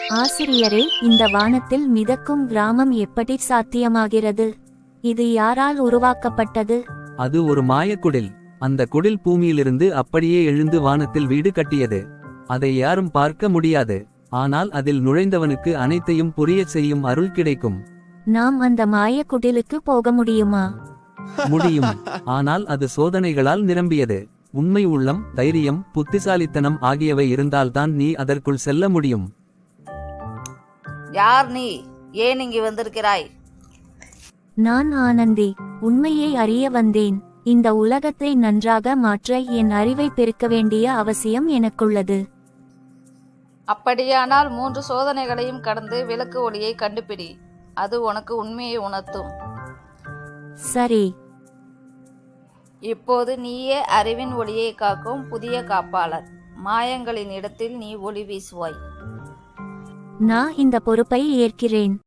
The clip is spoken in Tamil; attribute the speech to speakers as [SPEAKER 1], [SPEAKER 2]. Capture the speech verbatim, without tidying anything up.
[SPEAKER 1] ஆசிரியரே, இந்த வானத்தில் மிதக்கும் கிராமம் எப்படி சாத்தியமாகிறது? இது யாரால் உருவாக்கப்பட்டது?
[SPEAKER 2] அது ஒரு மாயக்குடில். அந்த குடில் பூமியிலிருந்து அப்படியே எழுந்து வானத்தில் வீடு கட்டியது. அதை யாரும் பார்க்க முடியாது. ஆனால் அதில் நுழைந்தவனுக்கு அனைத்தையும் புரியச் செய்யும் அருள் கிடைக்கும்.
[SPEAKER 1] நாம் அந்த மாய குடிலுக்கு போக முடியுமா?
[SPEAKER 2] முடியும். ஆனால் அது சோதனைகளால் நிரம்பியது. உண்மை உள்ளம், தைரியம், புத்திசாலித்தனம் ஆகியவை இருந்தால்தான் நீ அதற்குள் செல்ல முடியும்.
[SPEAKER 3] யார் நீ? ஏன் இங்கு வந்திருக்கிறாய்?
[SPEAKER 1] நான் ஆனந்தி. உண்மையை அறிய வந்தேன். இந்த உலகத்தை நன்றாக மாற்ற என் அறிவை பெருக்க வேண்டிய அவசியம் எனக்குள்ளது.
[SPEAKER 3] அப்படியானால் மூன்று சோதனைகளையும் கடந்து விளக்கு ஒளியை கண்டுபிடி. அது உனக்கு உண்மையை உணர்த்தும்.
[SPEAKER 1] சரி.
[SPEAKER 3] இப்போது நீயே அறிவின் ஒளியை காக்கும் புதிய காப்பாளர். மாயங்களின் இடத்தில் நீ ஒளி வீசுவாய்.
[SPEAKER 1] நான் இந்த பொறுப்பை ஏற்கிறேன்.